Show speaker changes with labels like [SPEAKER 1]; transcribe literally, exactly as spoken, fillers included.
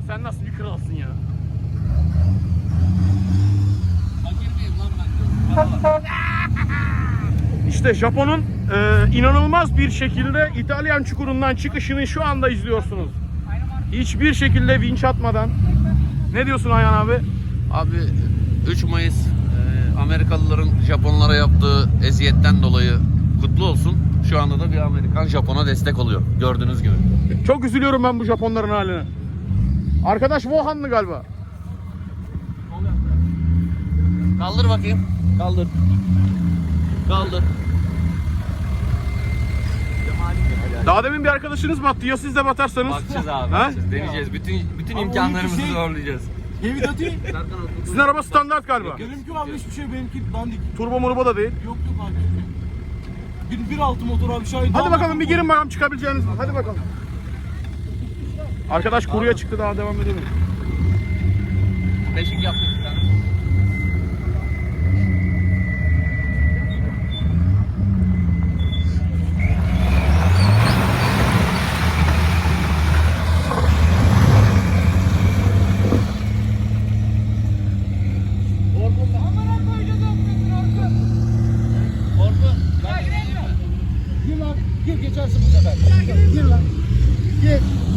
[SPEAKER 1] sen nasıl bir kralsın ya?
[SPEAKER 2] Fakir miyim lan ben?
[SPEAKER 1] İşte Japon'un e, inanılmaz bir şekilde İtalyan çukurundan çıkışını şu anda izliyorsunuz. Hiçbir şekilde vinç atmadan. Ne diyorsun Ayhan abi?
[SPEAKER 2] Abi üç Mayıs e, Amerikalıların Japonlara yaptığı eziyetten dolayı kutlu olsun. Şu anda da bir Amerikan Japon'a destek oluyor. Gördüğünüz gibi.
[SPEAKER 1] Çok üzülüyorum ben bu Japonların haline. Arkadaş Wuhanlı galiba.
[SPEAKER 2] Kaldır bakayım. Kaldır. Kaldır.
[SPEAKER 1] Daha demin bir arkadaşınız battı. Ya siz de batarsanız?
[SPEAKER 2] Bakacağız abi.
[SPEAKER 1] Ha?
[SPEAKER 2] Bakacağız. Deneyeceğiz. Bütün bütün
[SPEAKER 3] Abi
[SPEAKER 2] imkanlarımızı
[SPEAKER 3] şey-
[SPEAKER 2] zorlayacağız.
[SPEAKER 3] Yemin atayım.
[SPEAKER 1] Sizin araba standart galiba.
[SPEAKER 3] Benimki abi hiçbir şey, benimki dandik.
[SPEAKER 1] Turbo murbo da değil.
[SPEAKER 3] Yok yok abi. Bir, bir altı motor abi Şahin.
[SPEAKER 1] Hadi bakalım bir girin bakalım çıkabileceğiniz mi? Hadi bakalım. Arkadaş kuruya çıktı, daha devam edelim.
[SPEAKER 2] Beşik yaptık bir tane.
[SPEAKER 3] Gir lan. Gir geçersin bu sefer. Gir lan. Gir.